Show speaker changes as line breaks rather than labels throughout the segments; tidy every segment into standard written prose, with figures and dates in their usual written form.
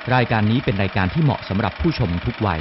รายการนี้เป็นรายการที่เหมาะสำหรับผู้ชมทุกวัย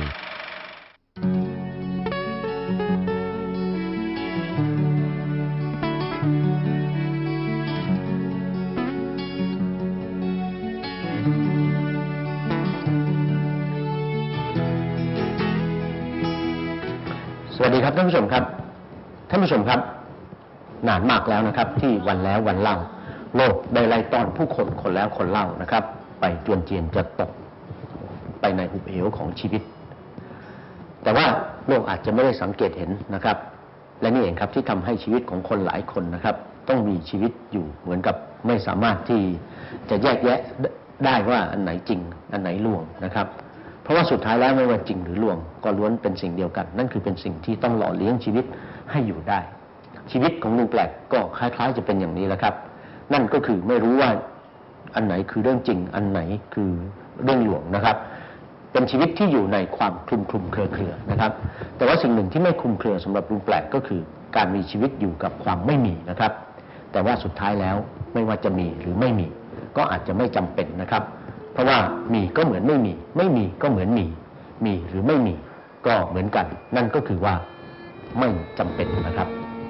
สวัสดีครับท่านผู้ชมครับท่านผู้ชมครับนานมากแล้วนะครับที่วันแล้ววันเล่าโลกได้ไล่ต้อนผู้คนคนแล้วคนเล่านะครับไปจวนเจียนจะตกไปในหุบเหวของชีวิตแต่ว่าโลกอาจจะไม่ได้สังเกตเห็นนะครับและนี่เองครับที่ทำให้ชีวิตของคนหลายคนนะครับต้องมีชีวิตอยู่เหมือนกับไม่สามารถที่จะแยกแยะได้ว่าอันไหนจริงอันไหนลวงนะครับเพราะว่าสุดท้ายแล้วไม่ว่าจริงหรือลวงก็ล้วนเป็นสิ่งเดียวกันนั่นคือเป็นสิ่งที่ต้องหล่อเลี้ยงชีวิตให้อยู่ได้ชีวิตของลุงแปลกก็คล้ายๆจะเป็นอย่างนี้แหละครับนั่นก็คือไม่รู้ว่าอันไหนคือเรื่องจริงอันไหนคือเรื่องลวงนะครับเป็นชีวิตที่อยู่ในความคลุมเครือนะครับแต่ว่าสิ่งหนึ่งที่ไม่คลุมเครือสำหรับลุงแปลกก็คือการมีชีวิตอยู่กับความไม่มีนะครับแต่ว่าสุดท้ายแล้วไม่ว่าจะมีหรือไม่มีก็อาจจะไม่จำเป็นนะครับเพราะว่ามีก็เหมือนไม่มีไม่มีก็เหมือนมีหรือไม่มีก็เหมือนกันนั่นก็คือว่าไม่จำเป็นนะครับ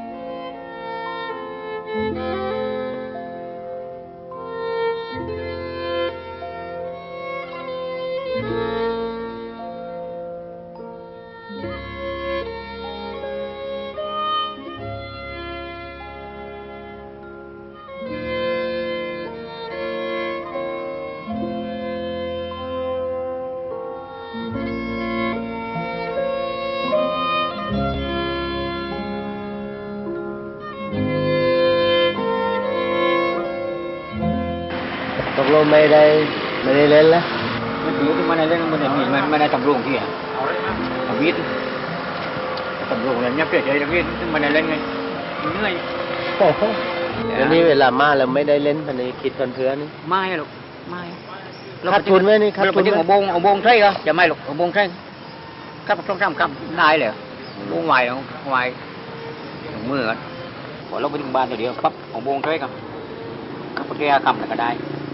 ตกลงไม่ได้เล่นแล้ว
มันถือที่มันได้เล่นมันได้มีมันได้ทำโรงที่อ่ะทำวิทย์ทำโรงเนี่ยเนี่ยเปลี่ยนใจทำวิทย์มันได้เล่นไงเหนื่อย
เดี๋ยวนี้เวลามาแล้วไม่ได้เล่นพันนี้คิดเพื่อนนี่
ไม่หรอกไม่
ขาดทุนไหมนี่ขาดทุน
เราไปเอาบงใช่ก็จะไม่หรอกเอาบงใช่ครับต้องทำครับได้เลยบงใหม่ใหม่มือกันพอเราไปถึงบ้านตัวเดียวปั๊บเอาบงใช่ก็ครับแก้คำก็ได้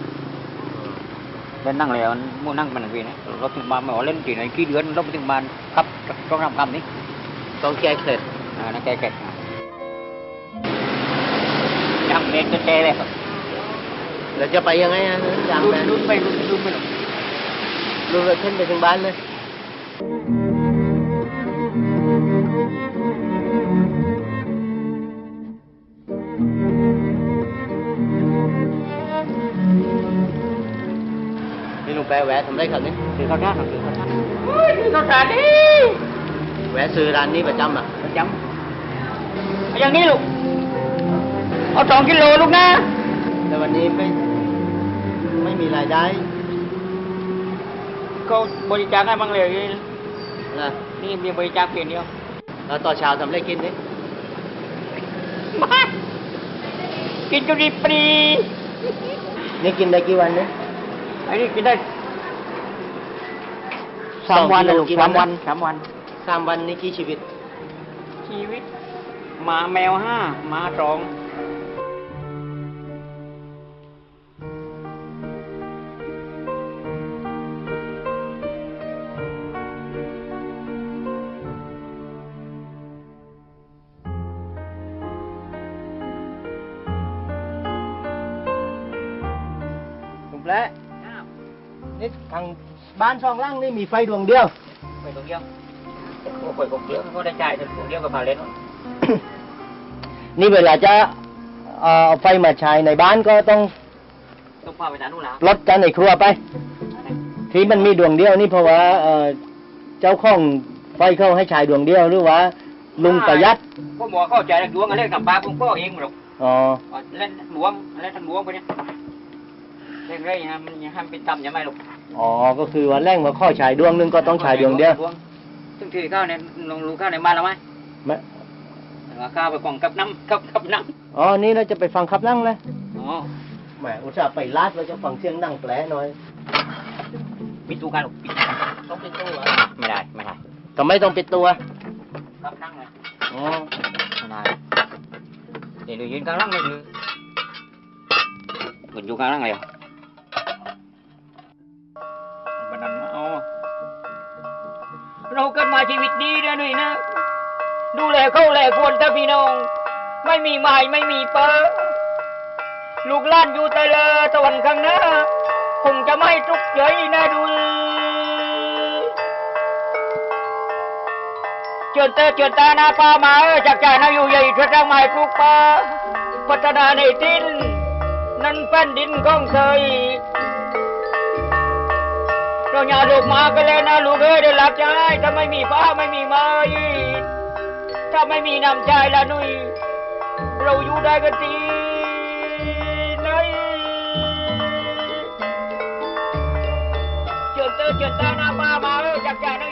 เล่นนั่งเลยมั่วนั่งมันวีนะเราถึงบ้านมาเล่นกี่ไหนกี่เดือนเราไปถึงบ้านครับต้องทำคำนี้
ต้องแก้เสร็จ
นั่นแก้เสร็จยังเด็กจะแก้เลย
แล้วจะไปยังไงฮะยังไง
ลุ้นไม่หรอก
ลุ้นเลยขึ้นไปถึงบ้านเลยนี่ลุงแปะแวะทำได้ครับนี่
ซื้อข้าวท่าซื้อข้าวท่าซื้อข้าวท่าดิ
แวะซื้อร้านนี้ประจำอ่ะ
ประจำอย่างนี้ลูกเอา2 กิโลลูกนะ
แต่วันนี้ไม่มีรายได้
ก็บริจาคให้บ้างเลย
นะ
นี่มีบริจาคเพียงเดียว
แล้วต่อเช้าทำอะไรกินนี่
มากินจนดีปรี
นี่กินได้กี่วันเนี่ย
ไอ้นี่กินได้3 วันลูก3 วัน
3 วันนี่กี่ชีวิต
หมาแมว5หมา2
และนี่ทางบ้าน2 หลังนี่มีไฟดวงเดียว
โอ้ยผมเยอะเขาได้จ่ายดวงเดียวกับพาเลน
นี่เวลาจะเอาไฟมาใช้ในบ้านก็ต้อง
พาไปจานนู่นแล้ว
ลดจานในครัวไปที่มันมีดวงเดียวนี่เพราะว่าเจ้าของไฟเข้าให้ใช้ดวงเดียวหรือว่าลุงประหยัด
ก็หมอเข้าใจดวงอะไรกับปลาผมก็เองหรอกเล่นดวงไปเนี่ยเล่นไรฮะมันยังห้ามเป็นต่ำยังไม่หรอก
ก็คือว่าแรงมาข้อฉายดวงนึงก็ต้องฉายดวงเดียว
ซึ่งที่ข้าวเนี่ยลงรูข้าวในบ้านเราไหมข้าวไปฟังกับน้ำ
นี่เราจะไปฟังขับนั่งเลย
แหม
อุตส่าห์ไปลาดเราจะฟังเสียงนั่งแปลหน่อย
ปิดตู้กันหรอก
ต้องปิดตู้เหรอ
ไม่ได้
ทำไมต้องปิดตัว
กับนั่งเลยไม่ได้เดี๋ยวยืนกลางนั่งเลยเหมือนอยู่กลางนั่งเลยเราเกิดมาชีวิตดีนะหนุ่ยนะดูแลเขาแลควรถ้าพี่น้องไม่มีไม้ไม่มีเปอลูกหล้านอยู่แต่ละตะวันข้างหน้าคงจะไม่ทุกข์ใจนะดูเจิดตาหน้าป่ามาจากใจนาอยู่ใหญ่ช่วยสร้างไม้ปลูกป่าพัฒนาในดินนั่นแผ่นดินของเธอเราอย่าลูกมากันเลยนะลูกเอ้ยได้หลับใจถ้าไม่มีฟ้าไม่มีไม้ถ้าไม่มีน้ำใจละนุ้ยเราอยู่ได้กันทีไหนเจิดตาหน้าป่ามาจากใจนา